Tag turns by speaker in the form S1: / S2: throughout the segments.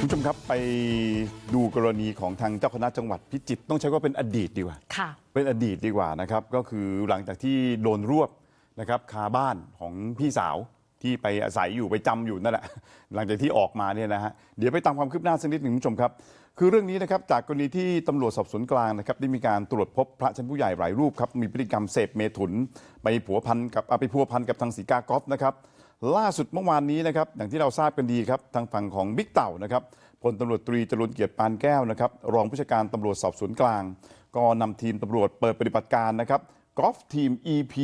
S1: คุณผู้ชมครับไปดูกรณีของทางเจ้าคณะจังหวัดพิจิตรต้องใช้ว่าเป็นอดีตดีกว่า
S2: ค่ะ
S1: เป็นอดีตดีกว่านะครับก็คือหลังจากที่โดนรวบนะครับคาบ้านของพี่สาวที่ไปอาศัยอยู่ไปจำอยู่นั่นแหละหลังจากที่ออกมาเนี่ยนะฮะเดี๋ยวไปตามความคืบหน้าสักนิดหนึ่งคุณผู้ชมครับคือเรื่องนี้นะครับจากกรณีที่ตำรวจสอบสวนกลางนะครับได้มีการตรวจพบพระชั้นผู้ใหญ่หลายรูปครับมีพฤติกรรมเสพเมถุนไปพัวพันกับทางศรีกากอฟนะครับล่าสุดเมื่อวานนี้นะครับอย่างที่เราทราบกันดีครับทางฝั่งของบิ๊กเต่านะครับพลตำรวจตรีจรุนเกียรติปานแก้วนะครับรองผู้จัดการตำรวจสอบสวนกลางก็นำทีมตำรวจเปิดปฏิบัติการนะครับกอล์ฟทีม EP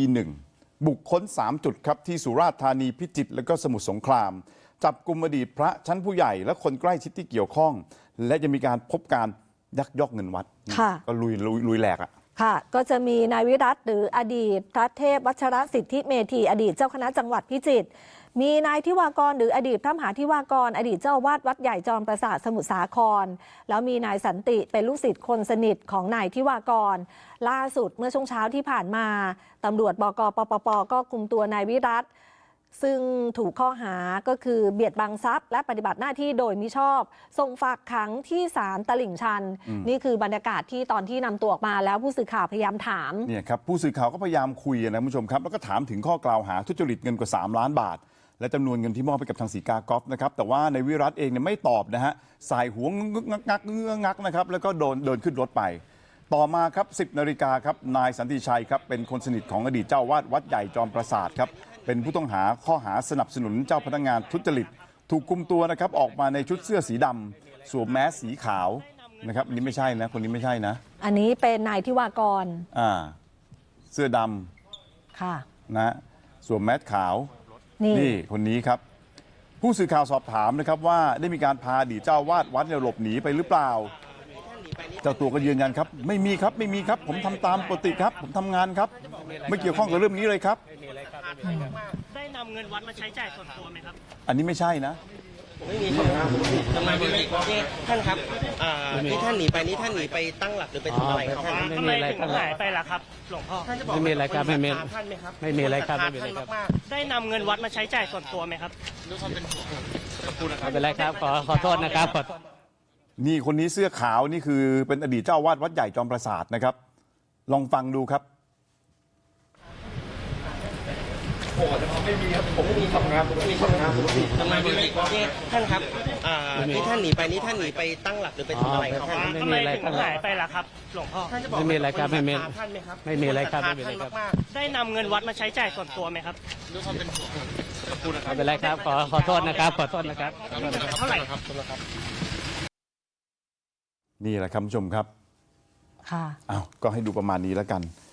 S1: 1บุกค้น3จุดครับที่สุราษฎร์ธานีพิจิตรและก็สมุทรสงครามจับกุมอดีตพระชั้นผู้ใหญ่และคนใกล้ชิดที่เกี่ยวข้องและจะมีการพบการยักยอกเงินวัดก็ลุยแหลกอ่ะ
S2: ค่ะก็จะมีนายวิรัตหรืออดีตพระเทพวัชรสิทธิเมธีอดีตเจ้าคณะจังหวัดพิจิตรมีนายทิวากรหรืออดีตพระมหาทิวากรอดีตเจ้าอาวาสวัดใหญ่จอมปราสาทสมุทรสาครแล้วมีนายสันติเป็นลูกศิษย์คนสนิทของนายทิวากรล่าสุดเมื่อช่วงเช้าที่ผ่านมาตำรวจบก.ปปป.ก็คุมตัวนายวิรัตซึ่งถูกข้อหาก็คือเบียดบังทรัพย์และปฏิบัติหน้าที่โดยมิชอบส่งฝากขังที่ศาลตลิ่งชันนี่คือบรรยากาศที่ตอนที่นำตัวออกมาแล้วผู้สื่อข่าวพยายามถาม
S1: เนี่ยครับผู้สื่อข่าวก็พยายามคุยนะคุณผู้ชมครับแล้วก็ถามถึงข้อกล่าวหาทุจริตเงินกว่า3 ล้านบาทและจำนวนเงินที่มอบไปกับทางศรีกากอฟนะครับแต่ว่าในวิรัตเองเนี่ยไม่ตอบนะฮะสายหัวงึกงักนะครับแล้วก็เดินขึ้นรถไปต่อมาครับ 10 นาฬิกาครับนายสันติชัยครับเป็นคนสนิทของอดีตเจ้าวาดวัดใหญ่จอมปราสาทครับเป็นผู้ต้องหาข้อหาสนับสนุนเจ้าพนักงานทุจริตถูกคุมตัวนะครับออกมาในชุดเสื้อสีดำสวมแมสสีขาวนะครับอันนี้ไม่ใช่นะคนนี้ไม่ใช่นะ
S2: อันนี้เป็นนายทิวากร
S1: เสื้อด
S2: ำค่ะ
S1: นะสวมแมสขาวนี่คนนี้ครับผู้สื่อข่าวสอบถามนะครับว่าได้มีการพาอดีตเจ้าวาดวัดหลบหนีไปหรือเปล่าเจ้าตัวก็ยืนยันครับไม่มีครับผมทำตามปกติครับผมทำงานครับไม่เกี่ยวข้องกับเรื่องนี้เลยครับ
S3: ได้นำเงินวัดมาใช้จ่ายส่วนตัวไหมครับ
S1: อันนี้ไม่ใช่นะ
S4: ไม่มีครับทำไมท่านครับที่ท่านหนีไปนี่ท่านหนีไปตั้งหลักหรือไปทำอะไรครับ
S3: ทำไมถึงหายไปล่ะครับหลวงพ่อ
S4: ไม่มีอะไรครับไม่มี
S3: ท่านไหมครับ
S4: ไม่มีอะไรครับไม่มีอะไรครับ
S3: ได้นำเงินวัดมาใช้จ่ายส่วนตัวไหมครับ
S4: ไม่เป็นไรครับขอโทษนะครับ
S1: นี่คนนี้เสื้อขาวนี่คือเป็นอดีตเจ้าวาดวัดใหญ่จอมปราสาทนะครับลองฟังดูครับ
S4: ไม่มีครับผมไม่มีทำงานทำไมท่านครับที่ท่านหนีไปนี่ท่านหนีไปตั้งหลักหรือไปทำอะไรครับ
S3: ทำไมถึงหายไปล่ะครับหลวงพ่อ
S4: ไม่มีอะไรครับไม่มี
S3: ท่านไหมครับ
S4: ไม่มีอะไรครับไม่มีอะไรครับ
S3: ได้นำเงินวัดมาใช้จ่ายส่วนตัวไหมครับ
S4: ไม่เป็นไรครับขอโทษนะครับขอโทษนะครับ
S3: เท่าไหร่ครับ
S1: นี่แหละครับผู้ชมครับ
S2: ค่ะ
S1: อ้าวก็ให้ดูประมาณนี้แล้วกัน